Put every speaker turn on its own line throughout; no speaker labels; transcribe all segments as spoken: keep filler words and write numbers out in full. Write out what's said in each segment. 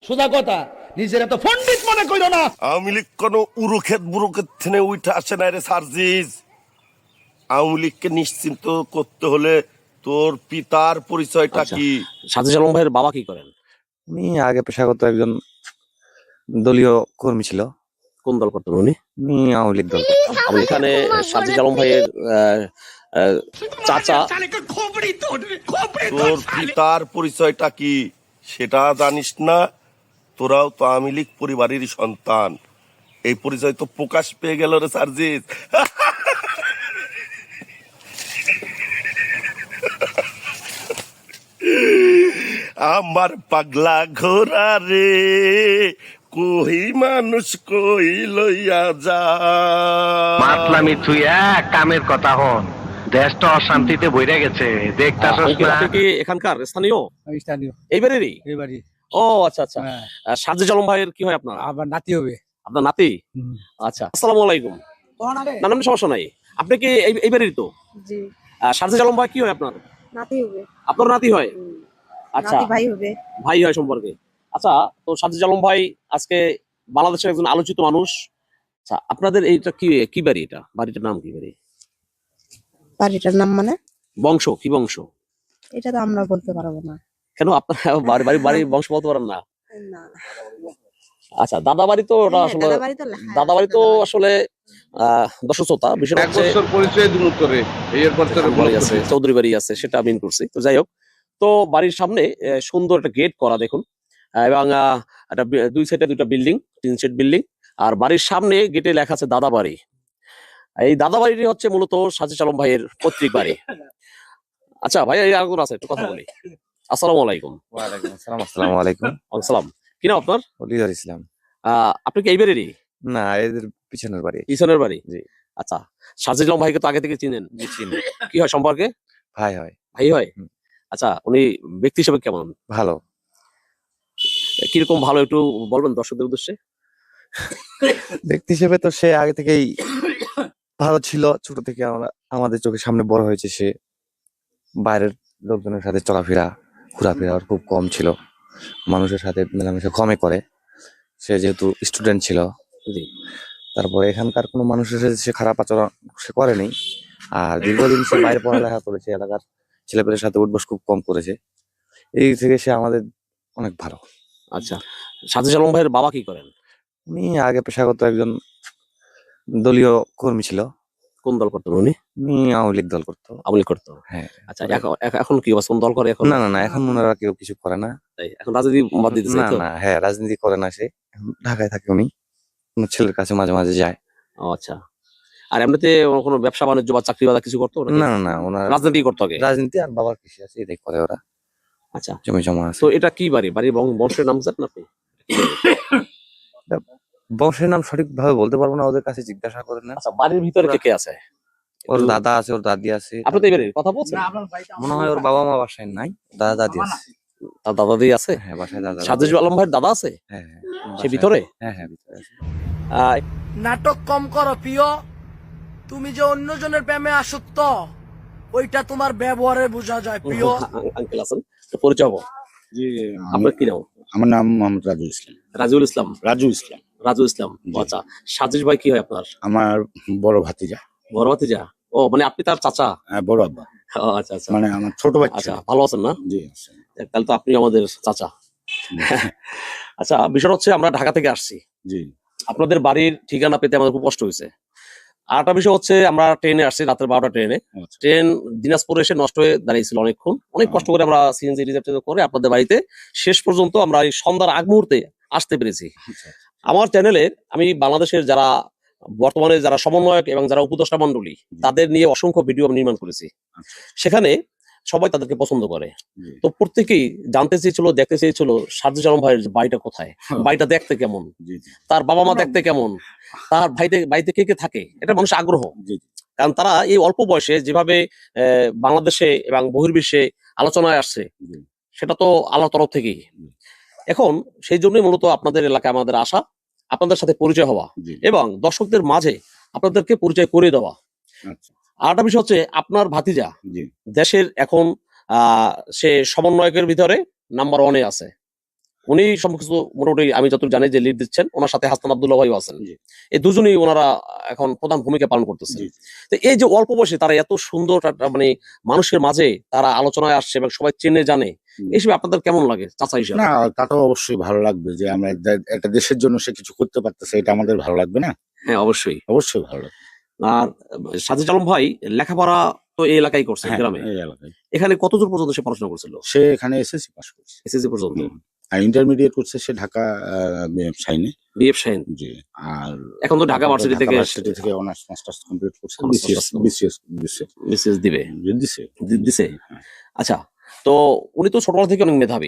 সোজা কথা, নিজের এত পণ্ডিত মনে কইরো না।
আওয়ামী লীগ কোনো উরুক্ষেত বুরুক্ষেত থেকে উঠে আসে না রে সার্জিস। আওয়ামী লীগকে নিশ্চিন্ত করতে হলে তোর পিতার পরিচয়টা
আচ্ছা,
কি?
সাজিদ আলম ভাইয়ের বাবা কি করেন?
উনি আগে পেশাগত একজন দলীয় কর্মী ছিল।
কোন দল করতেন উনি?
উনি আওয়ামী লীগ দল করতেন।
আমি এখানে সাজিদ আলম ভাইয়ের আহ, আহ, চাচা।
তোর পিতার পরিচয়টা কি সেটা জানিস না? তোরাও তো আওয়ামী লীগ পরিবারেরই সন্তান। এই পরিচয় তো প্রকাশ পেয়ে গেল রে সার্জিস। আমার পাগলা ঘোড়া রে, কই মানুষ কই লইয়া যা।
মাতলামি থুইয়া কামের কথা হন। দেশটা অশান্তিতে বইরা গেছে, দেখতাছস
আঙ্কেল,
না?
আপনি কি এখানকার স্থানীয়?
আমি স্থানীয়
এইবারেরই?
এবারই।
ও আচ্ছা আচ্ছা।
হ্যাঁ,
আহ, সাজিদ আলম ভাইয়ের কি হয় আপনার?
আবার নাতি হবে।
আপনার নাতি?
হুম।
আচ্ছা, আসসালামু আলাইকুম। না না, সমস্যা নাই। আপনি কি এই- এইবারেরই তো?
জি,
আহ, সাজিদ আলম ভাই কি হয় আপনার?
নাতি হবে।
আপনার নাতি হয়?
হুম,
আচ্ছা,
নাতি ভাই হবে।
ভাই হয় সম্পর্কে। আচ্ছা, তো সাজিদ আলম ভাই আজকে বাংলাদেশের একজন আলোচিত মানুষ। আচ্ছা, আপনাদের এইটা কি কি বাড়ি? এটা বাড়িটার নাম কি বাড়ি?
বাড়িটার নাম মানে?
বংশ কি বংশ?
এটা তো আমরা বলতে পারবো না।
কেন আপনার বাড়ি বাড়ি বাড়ি বংশ বলতে পারেন না?
না,
আচ্ছা, দাদা বাড়ি তো ওটা
হ্যাঁ,
আসলে
দাদা বাড়ি তো লেখা আছে,
দাদা বাড়ি তো
দাদা বাড়ি।
আসলে আহ দশশোতা বিষয়
এক
হচ্ছে
বছর পরিচয় দিন উত্তরে এরপর তোর
বাড়ি আছে, চৌধুরী বাড়ি আছে, সেটা মিন করছি। তো যাই হোক, তো বাড়ির সামনে আহ, সুন্দর একটা গেট করা দেখুন, আহ, এবং আহ, একটা বি- দুই সাইডে দুটা বিল্ডিং, তিন সেট বিল্ডিং, আর বাড়ির সামনে গেটে লেখা আছে দাদা বাড়ি। এই দাদা বাড়িটি হচ্ছে মূলত সাজিদ আলম ভাইয়ের পৈতৃক বাড়ি। আচ্ছা ভাই, এই আগুন আছে, একটু কথা বলি। আসসালামু আলাইকুম।
ওয়ালাইকুম আসসালাম। আসসালামু আলাইকুম।
আসসালাম। কি নাম আপনার?
অলিদার ইসলাম।
আহ আপনি কি এইবারেরই?
না, এদের পিছনের বাড়ি।
ইসনের বাড়ি?
জি।
আচ্ছা, সাজিদ আলম ভাইকে তো আগে থেকে চিনেন?
জি, চিনি।
কি হয় সম্পর্কে?
ভাই হয়।
ভাই হয়?
হুম।
আচ্ছা, উনি ব্যক্তি হিসেবে কেমন?
ভালো।
কিরকম ভালো একটু বলবেন দর্শকদের উদ্দেশ্যে?
ব্যক্তি হিসেবে তো সে আগে থেকেই ভালো ছিল। ছোট থেকে আমরা আমাদের চোখের সামনে বড় হয়েছে সে। বাইরের লোকজনের সাথে চলাফেরা ঘোরাফেরা ওর খুব কম ছিল। মানুষের সাথে মেলামেশা কমই করে। সে যেহেতু স্টুডেন্ট ছিল,
জি।
তারপরে এখানকার কোনো মানুষের সাথে সে খারাপ আচরণ সে করেনি। আর দীর্ঘদিন সে বাইরে পড়ালেখা করেছে, এলাকার ছেলেপেলের সাথে উঠবস খুব কম করেছে। এই দিক থেকে সে আমাদের অনেক ভালো।
আচ্ছা, সাজিদ আলম ভাইয়ের বাবা কি করেন?
উনি আগে পেশাগত একজন দলীয় কর্মী ছিল।
কোন দল করতেন উনি?
উনি আওয়ামী লীগ দল করতো।
আওয়ামী লীগ করতো?
হ্যাঁ।
আচ্ছা, এখন এখন- এখন কি অবস্থা? কোন দল করে এখন?
না না না, এখন ওনারা কেউ কিছু করে না।
তাই এখন রাজনীতি বাদ দিতেছে,
না
তাই তো?
না, হ্যাঁ, রাজনীতি করে না সে। এখন ঢাকায় থাকে উনি। ওনার ছেলের কাছে মাঝে মাঝে যায়।
ও আচ্ছা। আর এমনিতে কোনো ব্যবসা বাণিজ্য বা চাকরি বাদা কিছু করতো নাকি?
না না না, ওনার
রাজনীতি করতো আগে?
রাজনীতি আর বাবার কৃষি আছে, এটাই করে ওরা।
আচ্ছা,
জমি জমা আছে।
তো এটা কি বাড়ি? বাড়ির বং- বংশের নাম জানেন আপনি?
বংশের নাম সঠিক ভাবে বলতে পারবো না, ওদের কাছে জিজ্ঞাসা করে না।
আচ্ছা, বাড়ির ভিতরে কে কে আছে?
ওর দাদা আছে, ওর দাদি আছে।
আপনি তো এবারে কথা বলছেন?
মনে হয় ওর বাবা মা বাসায় নাই, দাদা দাদি আছে।
তার দাদা দিয়ে আছে?
হ্যাঁ, বাসায় দাদা দাদি
সাজিদ
আছে।
আলম ভাইয়ের দাদা আছে?
হ্যাঁ হ্যাঁ,
সে
বাসায়-
ভিতরে?
হ্যাঁ হ্যাঁ, ভিতরে আছে।
আহ,
নাটক কম করো প্রিয়। তুমি যে অন্যজনের প্রেমে আসক্ত, ওইটা তোমার ব্যবহারে বোঝা যায় প্রিয়।
আঙ্কেল আছেন, তো পরিচয় হবো।
জি,
আপনার কি নাম?
আমার নাম মোহাম্মদ রাজু ইসলাম।
রাজিউল ইসলাম?
রাজু ইসলাম
রাজু ইসলাম,
জি।
আচ্ছা। সাজিদ ভাই কি হয় আপনার?
আমার বড় ভাতিজা,
বড় ভাতিজা? ও মানে আপনি তার চাচা?
আহ, বড় আব্বা,
ও, আচ্ছা আচ্ছা।
মানে আমার ছোট বাচ্চা।
আচ্ছা, ভালো আছেন না?
জি আছে।
যাক, তাহলে তো আপনি আমাদের চাচা। আচ্ছা, বিষয় হচ্ছে আমরা ঢাকা থেকে আসছি,
জি
আপনাদের বাড়ির ঠিকানা পেতে আমাদের খুব কষ্ট হয়েছে। আর একটা বিষয় হচ্ছে আমরা ট্রেনে আসছি, রাতের বারোটা ট্রেনে।
আচ্ছা।
ট্রেন দিনাজপুরে এসে নষ্ট হয়ে দাঁড়িয়েছিল অনেকক্ষণ, অনেক কষ্ট করে আমরা সিএনজি রিজার্ভ করে আপনাদের বাড়িতে শেষ পর্যন্ত আমরা এই সন্ধ্যার আগ মুহূর্তে আসতে পেরেছি।
আচ্ছা।
আমার চ্যানেলে আমি বাংলাদেশের যারা বর্তমানে যারা সমন্বয়ক এবং যারা উপদেষ্টা মন্ডলী, তাদের নিয়ে অসংখ্য ভিডিও আমি নির্মাণ করেছি।
আচ্ছা।
সেখানে সবাই তাদেরকে পছন্দ করে।
জি।
তো প্রত্যেকেই জানতে চেয়েছিল, দেখতে চেয়েছিল সাজিদ আলম ভাইয়ের বাড়িটা কোথায়, বাড়িটা দেখতে কেমন,
জি জি
তার বাবা মা দেখতে কেমন, তার ভাইতে বাড়িতে কে কে থাকে, এটা মানুষের আগ্রহ।
জি জি।
কারণ তারা এই অল্প বয়সে যেভাবে আহ, বাংলাদেশে এবং বহির্বিশ্বে আলোচনায় আসছে,
জি।
সেটা তো আল্লাহর তরফ থেকেই।
জি।
এখন সেই জন্যই মূলত আপনাদের এলাকায় আমাদের আসা, আপনাদের সাথে পরিচয় হওয়া
জি।
এবং দর্শকদের মাঝে আপনাদেরকে পরিচয় করে দেওয়া।
আচ্ছা।
আর একটা বিষয় হচ্ছে আপনার ভাতিজা
জি
দেশের এখন আহ সে সমন্বয়কের ভিতরে নাম্বার ওয়ানে আছে। উনি সবকিছু মোটামুটি আমি যতটুকু জানি যে লিড দিচ্ছেন, ওনার সাথে হাসান আব্দুল্লাহ ভাইও আছেন।
জি।
এই দুজনেই ওনারা এখন প্রধান ভূমিকা পালন করতেছেন।
জি।
তো এই যে অল্প বয়সে তারা এত সুন্দর একটা মানে মানুষের মাঝে তারা আলোচনায় আসছে এবং সবাই চেনে জানে,
হুম।
এই হিসেবে আপনাদের কেমন লাগে চাচা হিসাবে?
না, তা তো অবশ্যই ভালো লাগবে যে আমরা দে- একটা দেশের জন্য সে কিছু করতে পারতেছে, এটা আমাদের ভালো লাগবে না?
হ্যাঁ, অবশ্যই।
অবশ্যই ভালো লাগবে।
আর সাজিদ আলম ভাই লেখাপড়া তো এই এলাকায় করছে,
হ্যাঁ,
গ্রামে।
এই এলাকায়
এখানে কতদূর পর্যন্ত সে পড়াশোনা করছিল?
সে এখানে এসএসসি পাস করছে।
এসএসসি পর্যন্ত।
হুম। আর ইন্টারমিডিয়েট করছে সে ঢাকা সাইনে।
বিএফ শাহিন।
জি। আর
এখন তো ঢাকা ভার্সিটি থেকে
ভার্সিটি থেকে অনার্স মাস্টার্স কমপ্লিট করছে।
Honours
বিসিএস
masters
বিসিএস দিছে।
বিসিএস দিবে।
দিছে।
দি- দিছে।
হ্যাঁ।
আচ্ছা, তো উনি তো ছোটবেলা থেকে অনেক মেধাবী,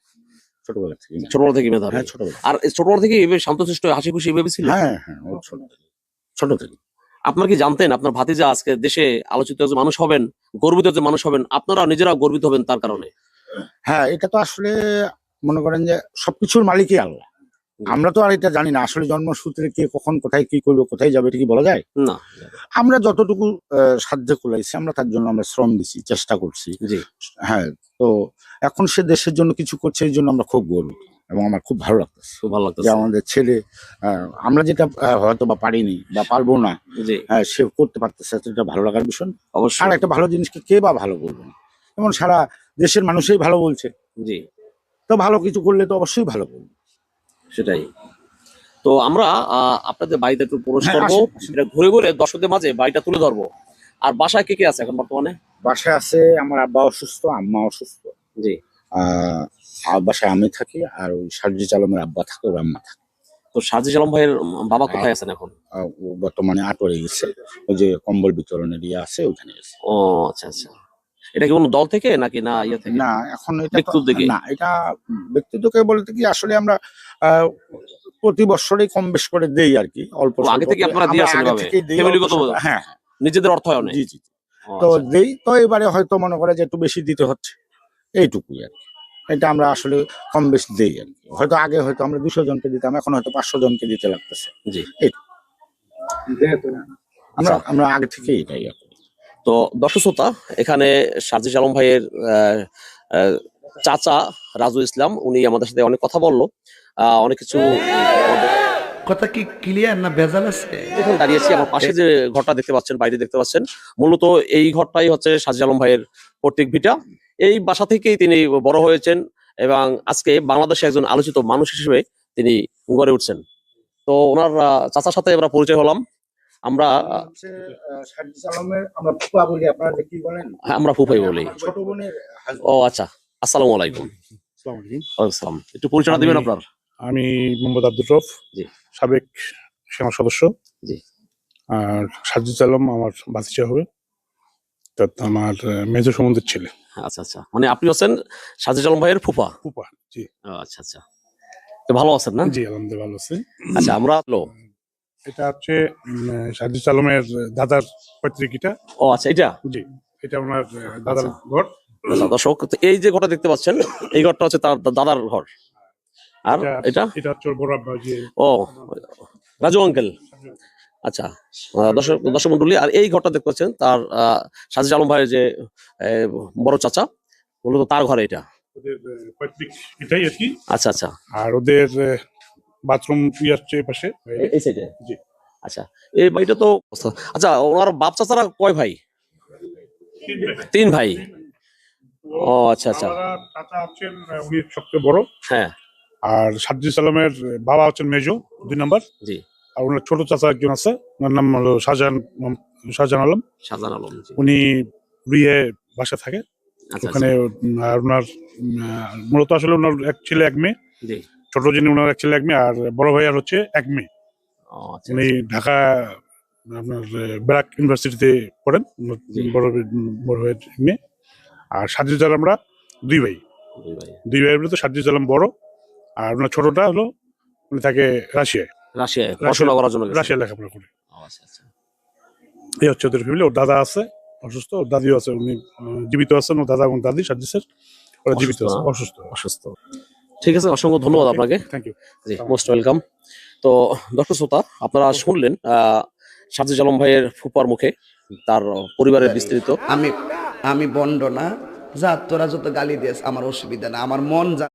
ছোটবেলা থেকে।
ছোটবেলা থেকে মেধাবী।
হ্যাঁ, ছোটবেলা।
আর এই ছোটবেলা থেকে এভাবে শান্তশিষ্ট হাসি খুশি এভাবে ছিল?
হ্যাঁ, হ্যাঁ, ও ছোট থেকে। ছোট থেকে।
আপনার কি জানতেন আপনার ভাতিজা আজকে দেশে আলোচিত একজন মানুষ হবেন, গর্বিত একজন মানুষ হবেন, আপনারা নিজেরা গর্বিত হবেন তার কারণে?
হ্যাঁ, এটা তো আসলে মনে করেন যে সবকিছুর মালিকই আল্লাহ। আমরা তো আর এটা জানি না আসলে জন্মসূত্রে কে কখন কোথায় কি করবে, কোথায় যাবে, এটা কি বলা যায়?
না।
আমরা যতটুকু আহ, সাধ্য কুলাইছি আমরা তার জন্য আমরা শ্রম দিছি, চেষ্টা করছি।
জি।
হ্যাঁ, তো এখন সে দেশের জন্য কিছু করছে, এই জন্য আমরা খুব গর্বিত এবং আমার খুব ভালো লাগতেছে
খুব ভালো
যে
লাগতেছে।
আমাদের ছেলে আহ, আমরা যেটা আহ, হয়তো বা পারিনি বা পারবো না,
জি,
হ্যাঁ, সে করতে পারতেছে, এটা ভালো লাগার বিষয়। আর
অবশ্যই।
একটা ভালো জিনিসকে কে বা ভালো বলবে না, যেমন সারা দেশের মানুষই ভালো বলছে,
জি,
তো ভালো কিছু করলে তো অবশ্যই ভালো বলবে।
সেটাই। তো আমরা আহ, আপনাদের বাড়িতে একটু প্রবেশ
হ্যাঁ,
করবো,
আসেন, আসেন।
এটা ঘুরে ঘুরে দর্শকদের মাঝে বাড়িটা তুলে ধরবো। আর বাসায় কে কে আছে এখন বর্তমানে?
বাসায় আছে আমার আব্বা অসুস্থ, আম্মা অসুস্থ।
জি।
আহ আর বাসায় আমি থাকি, আর ওই সার্জি চালমের আব্বা থাকে, ওর আম্মা থাকে।
তো সাজিদ আলম ভাইয়ের বাবা কোথায় আছেন এখন?
আহ, ও বর্তমানে আটোয়ারে গেছে, ওই যে কম্বল বিতরণের ইয়ে আছে ওখানে গেছে।
ও আচ্ছা আচ্ছা। এটা কি কোনো দল থেকে নাকি না ইয়ে থেকে?
না, এখন এটা তো-
ব্যক্তির দিকে?
না, এটা ব্যক্তিত্বকে বলতে কি আসলে আমরা আহ, প্রতি বছরই কম বেশ করে দেই আর কি, অল্প
ও, আগে
স্বল্প
থেকে
করে।
আপনারা দিয়ে
আমরা
আসেন
আগে
এভাবে?
থেকেই দেই,
ফ্যামিলিগত
অল্প স্বল্প। হ্যাঁ, হ্যাঁ,
নিজেদের অর্থায়নে?
জি জি।
ও,
তো
আচ্ছা।
দেই, তো এবারে হয়তো মনে করে যে একটু বেশি দিতে হচ্ছে, এইটুকুই আর কি। এটা আমরা আসলে কম বেশি দেই আর কি। হয়তো আগে হয়তো আমরা দুশো জনকে দিতাম, এখন হয়তো পাঁচশো জনকে দিতে লাগতেছে।
জি।
আমরা
আচ্ছা।
আমরা আগে থেকেই এটাই আর কি।
তো দর্শক শ্রোতা, এখানে সাজিদ আলম ভাইয়ের আহ, আহ, চাচা রাজু ইসলাম, উনি আমাদের সাথে অনেক কথা বললো, আহ, অনেক কিছু।
কথা কি ক্লিয়ার না ভেজাল আছে?
এখানে দাঁড়িয়েছি, আমার পাশে যে ঘরটা দেখতে পাচ্ছেন, বাইরে দেখতে পাচ্ছেন, মূলত এই ঘরটাই হচ্ছে সাজিদ আলম ভাইয়ের পৈতৃক ভিটা। এই বাসা থেকেই তিনি বড় হয়েছেন এবং আজকে বাংলাদেশে একজন আলোচিত মানুষ হিসেবে তিনি গড়ে উঠছেন। তো ওনার আহ, চাচার সাথে আমরা পরিচয় হলাম। আমরা
হচ্ছে আহ, সার্জিস আলমের আমরা ফুফা বলি, আপনারা যে কি বলেন?
হ্যাঁ, আমরা ফুফাই বলি।
আমার ছোট বোনের
ও আচ্ছা, আসসালামু আলাইকুম। ওয়ালাইকুম আসসালাম। একটু পরিচয় দিবেন আপনার?
আমি মোহাম্মদ আব্দুর রফ,
জি।
সাবেক সেনা সদস্য।
জি।
আর সাজিদ আলম আমার বাতিজা হবে, তা আমার মেজর সম্বন্ধের ছেলে।
আচ্ছা আচ্ছা, মানে আপনি হচ্ছেন সাজিদ আলম ভাইয়ের ফুফা?
ফুপা। জি।
ও, আচ্ছা আচ্ছা। তো ভালো আছেন না?
জি, আলহামদুলিল্লাহ ভালো আছে।
আচ্ছা, আমরা লো
এটা হচ্ছে উম, সাজিদ আলমের দাদার পৈতৃকীটা।
ও আচ্ছা, এটা
জি, এটা ওনার আহ, দাদার
আচ্ছা।
ঘর।
আচ্ছা, দর্শক, তো এই যে ঘরটা দেখতে পাচ্ছেন, এই ঘরটা হচ্ছে তার দাদার ঘর। আর এটা
এটা হচ্ছে ওর বড় আব্বা, যে
ও রাজু আঙ্কেল। আচ্ছা, আহ, দর্শক দর্শক মন্ডলী, আর এই ঘরটা দেখতে পাচ্ছেন তার আহ, সাজিদ আলম ভাইয়ের যে আহ, বড় চাচা, মূলত তার ঘরে এটা।
ওদের আহ, পৈতৃক এটাই আর কি।
আচ্ছা আচ্ছা,
আর ওদের বাথরুম ই আসছে এই পাশে।
এই- এই সাইডে।
জি।
আচ্ছা, এই বাড়িটা তো, আচ্ছা, ওনার বাপ চাচারা কয় ভাই? তিন ভাই। ও আচ্ছা আচ্ছা,
বাবারা চাচা হচ্ছেন আহ, উনি সবচেয়ে বড়।
হ্যাঁ,
আর সাজ্জিদ আলমের বাবা হচ্ছেন মেজো, দুই নাম্বার।
জি।
আর ওনার ছোট চাচা একজন আছে, ওনার নাম হলো শাহজাহান শাহজাহান আলম।
শাহজাহান আলম, জি।
উনি বিয়ে বাসা থাকে
আচ্ছা
ওখানে। উম, আর ওনার উম, আহ, মূলত আসলে ওনার এক ছেলে এক মেয়ে।
জি।
ছোট যিনি ওনার এক ছেলে এক মেয়ে, আর বড় ভাই আর হচ্ছে এক মেয়ে।
ও আচ্ছা,
উনি ঢাকা আপনার আহ, ব্র্যাক ইউনিভার্সিটিতে পড়েন, ওনার
জি।
বড় ভাই- বড় ভাইয়ের মেয়ে। আর সাজ্জিদ আলম আমরা দুই ভাই,
দুই ভাই।
দুই ভাইয়ের মধ্যে সাজ্জিদ আলম বড়, আর ওনার ছোটটা হলো উনি থাকে রাশিয়ায়,
রাশিয়ায় পড়াশোনা করার জন্য গেছে।
রাশিয়া লেখাপড়া করে।
ও আচ্ছা আচ্ছা,
এই হচ্ছে ওদের ফ্যামিলি। ওর দাদা আছে অসুস্থ, ওর দাদিও আছে, উনি আহ, জীবিত আছেন। ওর দাদা এবং দাদি সাজ্জিসের ওরা জীবিত
অসুস্থ
আছে,
না?
অসুস্থ।
অসুস্থ। ঠিক আছে, অসংখ্য ধন্যবাদ আপনাকে।
Thank you.
জি, মোস্ট ওয়েলকাম। তো দর্শক শ্রোতা, আপনারা শুনলেন আহ সাজিদ আলম ভাইয়ের ফুপার মুখে তার পরিবারের বিস্তৃত।
আমি আমি বন্ড না, যা তোরা যত গালি দিস আমার অসুবিধা না, আমার মন যা